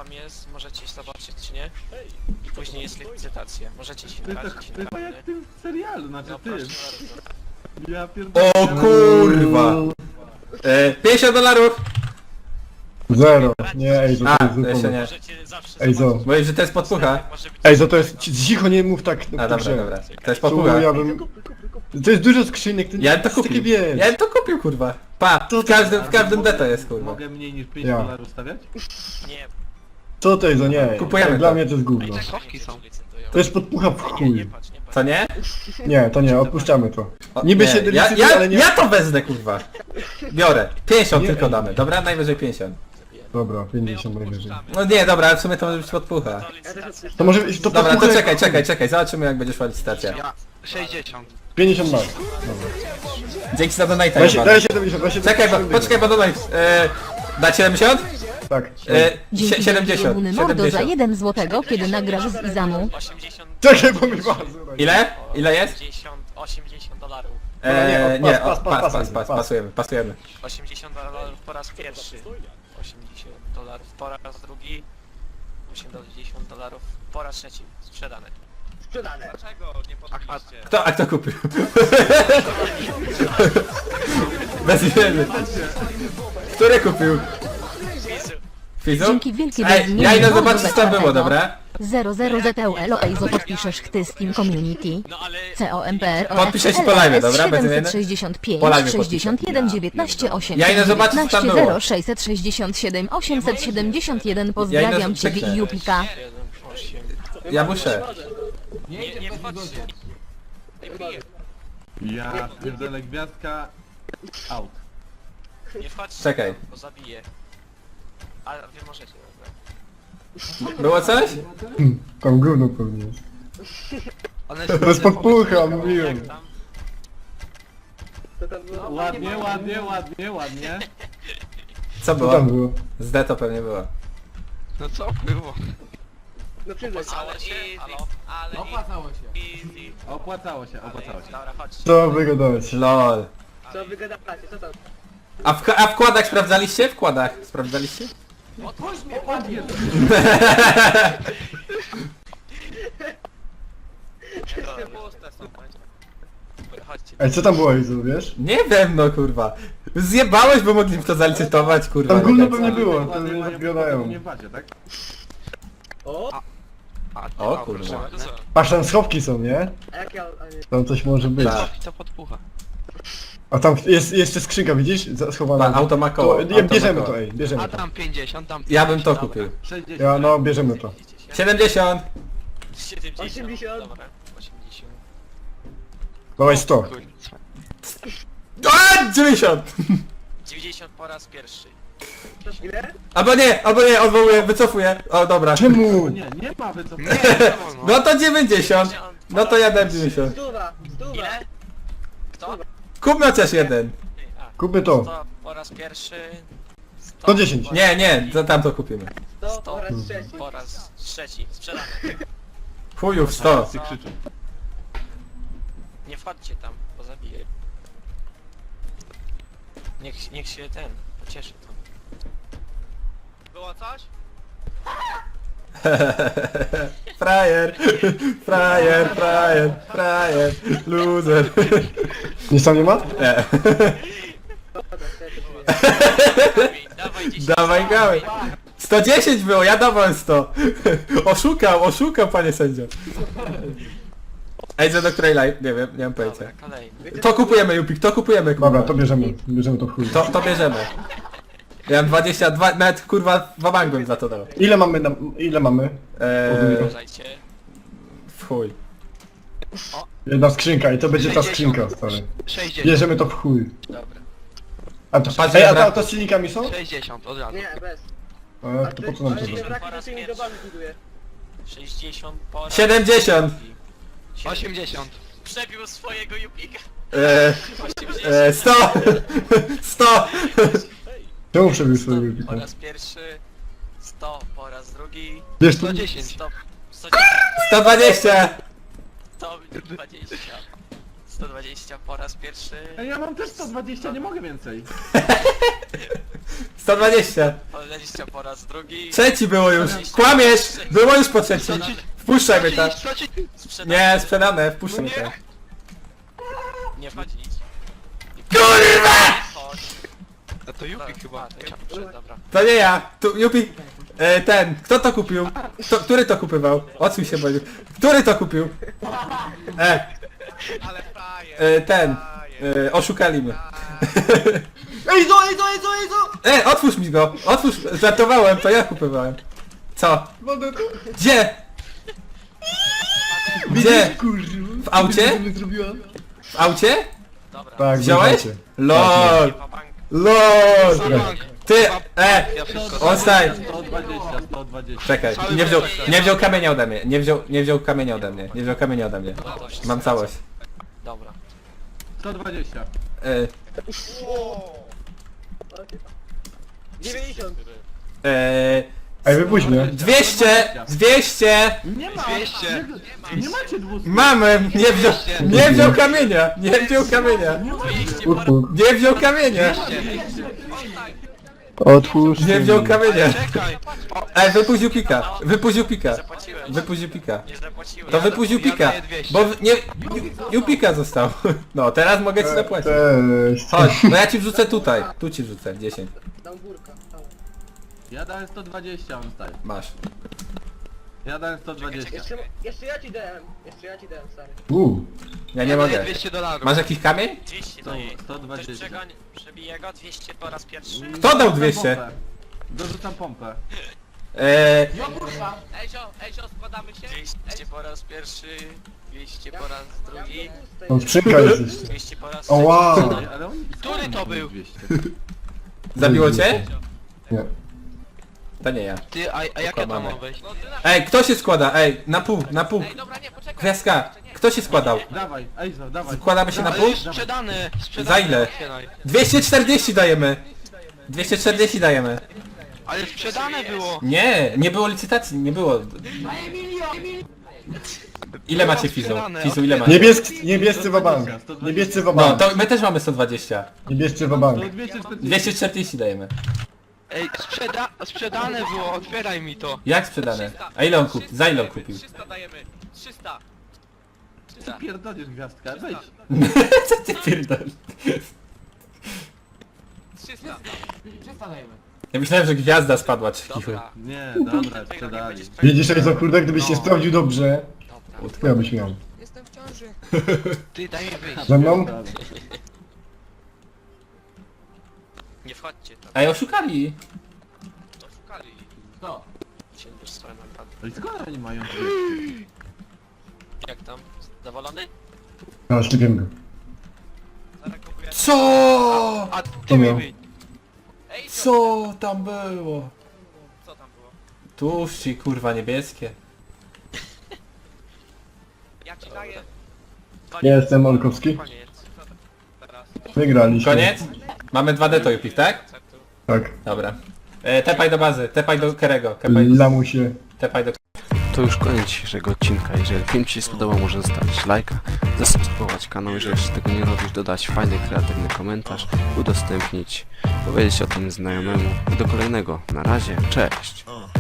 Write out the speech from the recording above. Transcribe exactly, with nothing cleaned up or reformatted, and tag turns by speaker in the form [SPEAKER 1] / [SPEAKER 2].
[SPEAKER 1] wam jest, możecie zobaczyć czy nie. I później jest licytacja. Możecie się
[SPEAKER 2] To jest
[SPEAKER 1] narazić
[SPEAKER 2] tak, to
[SPEAKER 1] na
[SPEAKER 2] jest jak w tym serialu, znaczy
[SPEAKER 1] No
[SPEAKER 2] ty.
[SPEAKER 1] proszę bardzo.
[SPEAKER 2] Ja pierdolę.
[SPEAKER 3] O kurwa! E, pięćdziesiąt dolarów!
[SPEAKER 4] Zero. Nie, Ejzo,
[SPEAKER 3] A,
[SPEAKER 4] to jest
[SPEAKER 3] jeszcze
[SPEAKER 4] zupełnie.
[SPEAKER 3] nie.
[SPEAKER 1] Możecie zawsze
[SPEAKER 4] Ej, zo.
[SPEAKER 1] zobaczyć.
[SPEAKER 3] Mówisz, że to jest podpucha?
[SPEAKER 1] Może być
[SPEAKER 4] Ejzo, to jest... Cicho, nie mów tak
[SPEAKER 3] A
[SPEAKER 4] na
[SPEAKER 3] dobra,
[SPEAKER 4] grze.
[SPEAKER 3] dobra. To jest
[SPEAKER 4] Tu
[SPEAKER 3] podpucha.
[SPEAKER 4] ja bym... To jest dużo skrzynek, to
[SPEAKER 3] Ja bym to
[SPEAKER 4] jest takie
[SPEAKER 3] kupił.
[SPEAKER 4] wiesz.
[SPEAKER 3] Ja bym to kupił, kurwa. Pa, w każdym, w każdym D to jest, kurwa.
[SPEAKER 2] Mogę mniej niż pięć
[SPEAKER 4] Ja.
[SPEAKER 2] dolarów stawiać?
[SPEAKER 1] Nie.
[SPEAKER 4] Co to Ejzo, nie.
[SPEAKER 3] Kupujemy
[SPEAKER 4] Tak, Dla
[SPEAKER 3] to.
[SPEAKER 4] mnie to jest
[SPEAKER 1] Ej,
[SPEAKER 4] gówno.
[SPEAKER 1] schowki są. Licytują.
[SPEAKER 4] To jest podpucha w
[SPEAKER 1] Nie, nie
[SPEAKER 4] chuj.
[SPEAKER 1] patrz, nie patrz.
[SPEAKER 3] Co nie?
[SPEAKER 4] Nie, to nie, odpuszczamy to.
[SPEAKER 3] O,
[SPEAKER 4] Niby
[SPEAKER 3] nie,
[SPEAKER 4] się
[SPEAKER 3] ja,
[SPEAKER 4] decyzuje,
[SPEAKER 3] ja,
[SPEAKER 4] ale nie...
[SPEAKER 3] ja to wezmę, kurwa. Biorę. pięćdziesiąt
[SPEAKER 4] Nie,
[SPEAKER 3] tylko
[SPEAKER 4] ej.
[SPEAKER 3] damy, dobra? Najwyżej pięćdziesiąt.
[SPEAKER 4] Dobra, pięćdziesiąt najwyżej.
[SPEAKER 3] No nie, dobra, ale w sumie to może być podpucha.
[SPEAKER 1] To licytacja.
[SPEAKER 4] To może być... To
[SPEAKER 3] Dobra, to
[SPEAKER 4] podpucha-
[SPEAKER 3] czekaj, czekaj, czekaj, zobaczymy jak będzie szła licytacja.
[SPEAKER 5] Ja sześćdziesiąt.
[SPEAKER 4] pięćdziesiąt lat.
[SPEAKER 3] Dzięki za donate.
[SPEAKER 4] Daj się,
[SPEAKER 3] Jebany.
[SPEAKER 4] daj siedemdziesiąt, daj
[SPEAKER 3] Czekaj, bo, poczekaj, bo donate. E, dać siedemdziesiąt?
[SPEAKER 4] Tak.
[SPEAKER 3] E,
[SPEAKER 6] Dzięki
[SPEAKER 3] sie- siedemdziesiąt.
[SPEAKER 6] wielki Mordo za
[SPEAKER 3] siedemdziesiąt.
[SPEAKER 6] jeden złotego, kiedy nagrasz z Izamu.
[SPEAKER 1] osiemdziesiąt.
[SPEAKER 4] Czekaj, bo mi bardzo...
[SPEAKER 3] Ile? Ile jest?
[SPEAKER 1] osiemdziesiąt, osiemdziesiąt dolarów.
[SPEAKER 3] E,
[SPEAKER 4] nie,
[SPEAKER 3] nie,
[SPEAKER 4] pas,
[SPEAKER 3] o,
[SPEAKER 4] pas,
[SPEAKER 3] pas,
[SPEAKER 4] pas,
[SPEAKER 3] pas, pas,
[SPEAKER 4] pas.
[SPEAKER 3] pasujemy, pasujemy.
[SPEAKER 1] osiemdziesiąt dolarów po raz pierwszy. osiemdziesiąt dolarów po raz drugi. osiemdziesiąt dolarów po raz trzeci. Sprzedane.
[SPEAKER 5] Sprzedane.
[SPEAKER 1] Dlaczego nie podbiliście?
[SPEAKER 3] Kto, a kto kupił? Bez imienia. Który kupił?
[SPEAKER 1] Fizu.
[SPEAKER 3] Fizu?
[SPEAKER 6] Dzięki wielkie
[SPEAKER 3] Ej,
[SPEAKER 6] bezimienny
[SPEAKER 3] ja idę
[SPEAKER 6] Mordo
[SPEAKER 3] zobaczyć co tam było,
[SPEAKER 6] Becketego.
[SPEAKER 3] dobra?
[SPEAKER 6] zero zero Z E U L O Ejzo podpiszesz chty z Team Community.
[SPEAKER 1] No ale...
[SPEAKER 6] C O M P R O
[SPEAKER 3] Podpiszę się po live'ie, dobra? Bez imienia?
[SPEAKER 6] siedemset sześćdziesiąt pięć,
[SPEAKER 3] Po live'ie
[SPEAKER 6] sześćdziesiąt jeden, dziewiętnaście, osiemset
[SPEAKER 3] Ja idę zobaczyć, co tam
[SPEAKER 6] dziewiętnaście,
[SPEAKER 3] było.
[SPEAKER 6] zero, sześćset sześćdziesiąt siedem, osiemset siedemdziesiąt jeden. Pozdrawiam
[SPEAKER 3] krzyknę.
[SPEAKER 6] Ciebie i Jupika.
[SPEAKER 1] siedem, osiem.
[SPEAKER 3] Ja muszę.
[SPEAKER 1] Nie, nie wchodźcie. Nie piję.
[SPEAKER 2] Ja pierdolę gwiazdka. Out.
[SPEAKER 1] Nie wchodźcie.
[SPEAKER 3] Czekaj.
[SPEAKER 1] Bo zabiję. Ale wy możecie, dobra.
[SPEAKER 3] Było coś?
[SPEAKER 4] Tam gówno pewnie jest.
[SPEAKER 5] One
[SPEAKER 4] To jest podpucha, mówiłem.
[SPEAKER 1] Jak tam?
[SPEAKER 2] Ładnie, ładnie, ładnie, ładnie.
[SPEAKER 3] Co
[SPEAKER 4] Co
[SPEAKER 3] było?
[SPEAKER 4] tam było?
[SPEAKER 3] Z D to pewnie było.
[SPEAKER 5] No co było?
[SPEAKER 7] No przyznaj się.
[SPEAKER 1] Ale się, halo? Ale
[SPEAKER 7] Opłacało się.
[SPEAKER 1] easy.
[SPEAKER 2] Opłacało się, opłacało się.
[SPEAKER 1] Dobra, chodźcie.
[SPEAKER 4] Co wy gadałeś?
[SPEAKER 3] Lol.
[SPEAKER 7] Co wy gadacie, co tam?
[SPEAKER 3] A w, a w kładach sprawdzaliście? W kładach sprawdzaliście?
[SPEAKER 1] Puste są, dobra, chodźcie.
[SPEAKER 4] Ej, co tam było, Ejzo, wiesz?
[SPEAKER 3] Nie wiem no kurwa. Zjebałeś, bo mogli w to zalicytować, kurwa.
[SPEAKER 4] Tam gówno
[SPEAKER 3] nie
[SPEAKER 4] pewnie
[SPEAKER 3] wiem.
[SPEAKER 4] było, to
[SPEAKER 2] Ładnie
[SPEAKER 4] mnie
[SPEAKER 2] mają
[SPEAKER 4] odgadają.
[SPEAKER 2] nie w bazie, tak?
[SPEAKER 7] O,
[SPEAKER 5] A,
[SPEAKER 3] O
[SPEAKER 5] a,
[SPEAKER 3] kurwa.
[SPEAKER 5] proszę,
[SPEAKER 1] To co?
[SPEAKER 4] Patrz, tam schowki są, nie?
[SPEAKER 7] a jak ja... A nie.
[SPEAKER 4] Tam coś może być.
[SPEAKER 3] Tak.
[SPEAKER 5] To podpucha.
[SPEAKER 4] A tam jest jeszcze skrzynka, widzisz? Za- Schowana.
[SPEAKER 3] Ma, auto ma koło.
[SPEAKER 4] To,
[SPEAKER 3] auto
[SPEAKER 4] nie,
[SPEAKER 3] ma
[SPEAKER 4] bierzemy
[SPEAKER 3] koło.
[SPEAKER 4] to, ej, bierzemy
[SPEAKER 5] A
[SPEAKER 4] to.
[SPEAKER 5] tam pięćdziesiąt, tam
[SPEAKER 3] Ja bym to kupił.
[SPEAKER 2] sześćdziesiąt.
[SPEAKER 4] Ja, no, bierzemy to.
[SPEAKER 3] siedemdziesiąt.
[SPEAKER 1] siedemdziesiąt.
[SPEAKER 7] osiemdziesiąt.
[SPEAKER 1] Dobra, osiemdziesiąt.
[SPEAKER 4] Dawaj sto.
[SPEAKER 5] Kurwa.
[SPEAKER 3] A, dziewięćdziesiąt.
[SPEAKER 1] dziewięćdziesiąt po raz pierwszy.
[SPEAKER 7] Ile?
[SPEAKER 3] Albo nie, albo nie, odwołuję, wycofuję. O dobra.
[SPEAKER 4] Czemu?
[SPEAKER 2] Nie, nie ma wycofania.
[SPEAKER 5] Nie, to wolno.
[SPEAKER 3] No to dziewięćdziesiąt. No to ja dam dziewięćdziesiąt.
[SPEAKER 7] Stuwa, stuwa.
[SPEAKER 1] Ile? Kto?
[SPEAKER 3] Kupmy chociaż jeden.
[SPEAKER 1] A,
[SPEAKER 4] Kupmy to.
[SPEAKER 1] sto po raz pierwszy. sto
[SPEAKER 4] sto dziesięć.
[SPEAKER 1] po-
[SPEAKER 3] Nie, nie, to tam to kupimy.
[SPEAKER 7] sto
[SPEAKER 1] sto
[SPEAKER 7] po raz trzeci.
[SPEAKER 1] po raz trzeci. Sprzedane.
[SPEAKER 3] Chujów sto.
[SPEAKER 2] Wszyscy krzyczą.
[SPEAKER 1] Nie wchodźcie tam, bo zabiję. Niech, niech się ten pocieszy to. Było coś?
[SPEAKER 3] Frajer, frajer, frajer, frajer, loser.
[SPEAKER 4] Nic tam nie ma?
[SPEAKER 3] Nie.
[SPEAKER 1] Dawaj dziesięć.
[SPEAKER 3] Dawaj gałę. sto dziesięć było, ja dawałem sto. Oszukał, oszukał panie sędzio. Ej, co do której live? Nie wiem, nie mam pojęcia.
[SPEAKER 1] Dobra, kolejny.
[SPEAKER 3] To kupujemy, Jupik, to kupujemy, kurwa.
[SPEAKER 4] Dobra, to bierzemy. Bierzemy to w chuj.
[SPEAKER 3] To, to bierzemy. Ja mam dwadzieścia dwa, nawet kurwa dwa bank bym za to dał.
[SPEAKER 4] Ile mamy na... ile mamy?
[SPEAKER 3] Eee,
[SPEAKER 1] Uważajcie.
[SPEAKER 3] w chuj.
[SPEAKER 4] Jedna skrzynka i to będzie ta skrzynka, stary.
[SPEAKER 5] sześćdziesiąt.
[SPEAKER 4] Bierzemy to w chuj.
[SPEAKER 1] Dobra.
[SPEAKER 4] A to...
[SPEAKER 3] Patrz,
[SPEAKER 4] Ej, a
[SPEAKER 3] dobra.
[SPEAKER 4] to, to z silnikami są?
[SPEAKER 5] sześćdziesiąt od razu.
[SPEAKER 7] Nie, bez.
[SPEAKER 4] E, to po co nam to?
[SPEAKER 7] Ale się
[SPEAKER 4] da?
[SPEAKER 7] brak to tymi dobami buduje.
[SPEAKER 1] sześćdziesiąt po raz
[SPEAKER 3] siedemdziesiąt.
[SPEAKER 1] drugi.
[SPEAKER 5] osiemdziesiąt.
[SPEAKER 1] Przebił swojego Jupika.
[SPEAKER 3] Eee,
[SPEAKER 1] osiemdziesiąt.
[SPEAKER 3] eee, sto. sto.
[SPEAKER 4] Czemu przebił swojego
[SPEAKER 1] Po
[SPEAKER 4] Jupika?
[SPEAKER 1] raz pierwszy. sto po raz drugi.
[SPEAKER 4] Wiesz to...
[SPEAKER 5] sto dziesięć.
[SPEAKER 1] sto. sto dziesięć.
[SPEAKER 3] sto dwadzieścia.
[SPEAKER 1] sto dwadzieścia. sto sto dwadzieścia po raz pierwszy.
[SPEAKER 2] Ej, ja mam też sto dwadzieścia, nie mogę więcej.
[SPEAKER 3] sto dwadzieścia.
[SPEAKER 1] sto dwadzieścia po raz drugi.
[SPEAKER 3] Trzeci było już. Kłamiesz! Było już po trzecim. Wpuszczaj mnie tam.
[SPEAKER 5] Stracić,
[SPEAKER 1] Sprzedane.
[SPEAKER 3] Nie, sprzedane, wpuszczaj mnie tam.
[SPEAKER 1] Nie wchodzi nic.
[SPEAKER 3] Kurwa!
[SPEAKER 1] Chodź.
[SPEAKER 5] A to Jupi chyba.
[SPEAKER 1] A, to ja muszę, dobra.
[SPEAKER 3] To nie ja. Tu, Jupi. E, ten. Kto to kupił? Kto, który to kupywał? Odsuń się, Bodziu. Który to kupił? E,
[SPEAKER 1] Ale frajer.
[SPEAKER 3] e ten. E, oszukali mnie.
[SPEAKER 7] Ej, zo, ej, zo, ej, zo, ej, zo!
[SPEAKER 3] E, otwórz mi go. Otwórz. Żartowałem, to ja kupowałem. Co?
[SPEAKER 4] Wodę tu?
[SPEAKER 3] Gdzie? Gdzie?
[SPEAKER 4] Kurwa.
[SPEAKER 3] W aucie?
[SPEAKER 4] Co mi zrobiła?
[SPEAKER 3] W aucie?
[SPEAKER 1] Dobra.
[SPEAKER 4] Tak,
[SPEAKER 3] Wziąłeś?
[SPEAKER 4] wydacie.
[SPEAKER 3] LOL.
[SPEAKER 1] Pa bank.
[SPEAKER 3] LOL.
[SPEAKER 5] Bank.
[SPEAKER 3] Ty, e,
[SPEAKER 5] Ja wszystko.
[SPEAKER 3] on staj.
[SPEAKER 2] sto dwadzieścia, sto dwadzieścia.
[SPEAKER 3] Czekaj, nie wziął, nie wziął kamienia ode mnie, nie wziął, nie wziął kamienia ode mnie, nie wziął kamienia ode mnie.
[SPEAKER 1] No to wszystko.
[SPEAKER 3] Mam całość.
[SPEAKER 1] Dobra.
[SPEAKER 2] sto dwadzieścia.
[SPEAKER 3] E,
[SPEAKER 7] dziewięćdziesiąt.
[SPEAKER 3] e,
[SPEAKER 4] Ej, wypuść mnie.
[SPEAKER 3] dwieście, dwieście,
[SPEAKER 2] Nie ma!
[SPEAKER 5] dwieście.
[SPEAKER 2] Nie, nie macie dwustu.
[SPEAKER 3] mamy, nie wziął, nie wziął kamienia, nie wziął kamienia,
[SPEAKER 1] dwieście po raz...
[SPEAKER 4] Utwórz.
[SPEAKER 3] nie wziął kamienia,
[SPEAKER 4] Otwórz.
[SPEAKER 3] nie wziął kamienia.
[SPEAKER 5] Czekaj.
[SPEAKER 3] Ej, wypuścił pika, wypuścił pika,
[SPEAKER 1] Zapłaciłem.
[SPEAKER 3] wypuścił pika.
[SPEAKER 1] Nie zapłaciłem.
[SPEAKER 3] To wypuścił pika, bo w- nie, Jupika został. No, teraz mogę ci zapłacić.
[SPEAKER 4] Cześć.
[SPEAKER 3] Chodź, no ja ci wrzucę tutaj, tu ci wrzucę, dziesięć,
[SPEAKER 7] Dam górka. tam.
[SPEAKER 2] Ja dałem sto dwadzieścia, on staje.
[SPEAKER 3] masz.
[SPEAKER 2] Ja dałem sto dwadzieścia.
[SPEAKER 7] Jeszcze, jeszcze ja ci dałem. Jeszcze ja ci dałem, stary.
[SPEAKER 4] Uuu.
[SPEAKER 3] Ja nie mogę.
[SPEAKER 5] dwieście dolarów.
[SPEAKER 3] Masz jakiś kamień?
[SPEAKER 1] dwieście
[SPEAKER 2] Sto-
[SPEAKER 1] daje.
[SPEAKER 2] sto dwadzieścia.
[SPEAKER 1] Ktoś przegoń, przebije go, dwieście po raz pierwszy.
[SPEAKER 3] Kto dał
[SPEAKER 2] Dorzucam
[SPEAKER 3] dwieście?
[SPEAKER 2] pompę. Dorzucam pompę.
[SPEAKER 3] Eee,
[SPEAKER 1] Ejzio, Ejzio, składamy się? dwieście po raz pierwszy, dwieście po raz drugi,
[SPEAKER 4] Tam skrzynka jest jeszcze.
[SPEAKER 1] dwieście po raz
[SPEAKER 4] O wow.
[SPEAKER 1] trzeci.
[SPEAKER 2] Ej, ale on...
[SPEAKER 5] Który to był?
[SPEAKER 2] dwieście.
[SPEAKER 3] zabiło cię?
[SPEAKER 4] Nie.
[SPEAKER 3] To nie ja.
[SPEAKER 5] Ty, a, a jak ja tam mam wejść?
[SPEAKER 3] Ej, kto się składa? Ej, na pół, na pół.
[SPEAKER 1] Dobra, nie, poczekaj.
[SPEAKER 3] Gwiazdka, kto się składał?
[SPEAKER 2] Dawaj, Ejzo, dawaj.
[SPEAKER 3] Składamy się na
[SPEAKER 5] Ale
[SPEAKER 3] pół?
[SPEAKER 5] już sprzedane, sprzedane.
[SPEAKER 3] Za ile?
[SPEAKER 5] Otwieraj.
[SPEAKER 3] dwieście czterdzieści dajemy. dwieście czterdzieści dajemy.
[SPEAKER 5] Ale sprzedane było.
[SPEAKER 3] Nie, nie było licytacji, nie było. Ile macie Fizu? Fizu, ile macie?
[SPEAKER 4] Niebieski, niebiescy wabank. Niebiescy
[SPEAKER 3] No,
[SPEAKER 4] wabank.
[SPEAKER 3] to my też mamy sto dwadzieścia.
[SPEAKER 4] Niebiescy
[SPEAKER 2] To
[SPEAKER 4] wabank.
[SPEAKER 2] dwieście czterdzieści.
[SPEAKER 3] dwieście czterdzieści dajemy.
[SPEAKER 5] Ej, sprzeda sprzedane było, otwieraj mi to.
[SPEAKER 3] Jak sprzedane? A ile on kupił? Za ile on kupił?
[SPEAKER 1] trzysta dajemy, trzysta.
[SPEAKER 2] Ty pierdolisz gwiazdka, wejdź.
[SPEAKER 3] Co ty pierdolisz?
[SPEAKER 1] trzysta.
[SPEAKER 3] Ja myślałem, że gwiazda spadła czy cicho.
[SPEAKER 1] Dobra.
[SPEAKER 2] Nie, dobra, sprzedali.
[SPEAKER 4] Widzisz, jak to kurde, gdybyś się sprawdził dobrze,
[SPEAKER 1] Dobra.
[SPEAKER 4] to ja byś miał.
[SPEAKER 8] Jestem w ciąży.
[SPEAKER 5] Ty, daj mi wyjść.
[SPEAKER 4] Ze mną?
[SPEAKER 2] Dobra.
[SPEAKER 1] Nie wchodźcie tam,
[SPEAKER 3] Ej, oszukali.
[SPEAKER 1] to szukali. Kto? Się już swoją naprawdę.
[SPEAKER 2] No i skąd oni mają dwieście?
[SPEAKER 1] Jak tam? Zadowolony?
[SPEAKER 4] No, szczypię go.
[SPEAKER 1] Zaraz kupuję.
[SPEAKER 3] Co?
[SPEAKER 5] A ty mi
[SPEAKER 4] miał.
[SPEAKER 5] wyjdź.
[SPEAKER 1] Ej,
[SPEAKER 3] Co tam było?
[SPEAKER 1] co tam było?
[SPEAKER 3] Tłuszczy, kurwa, niebieskie.
[SPEAKER 1] Ja ci daję.
[SPEAKER 4] Ja jestem Olkowski.
[SPEAKER 1] Koniec. Teraz.
[SPEAKER 4] Wygraliśmy.
[SPEAKER 3] Koniec? Mamy dwa D to Jupik, tak?
[SPEAKER 1] Receptu.
[SPEAKER 4] Tak.
[SPEAKER 3] Dobra. E, tepaj do bazy, tepaj do Kerego, tepaj do...
[SPEAKER 4] Lamusie.
[SPEAKER 3] Tepaj do...
[SPEAKER 9] To już koniec dzisiejszego odcinka. Jeżeli film Ci się spodobał, możesz zostawić lajka, zasubskrybować kanał, jeżeli jeszcze tego nie robisz, dodać fajny, kreatywny komentarz, udostępnić, powiedzieć o tym znajomemu. I do kolejnego. Na razie, cześć!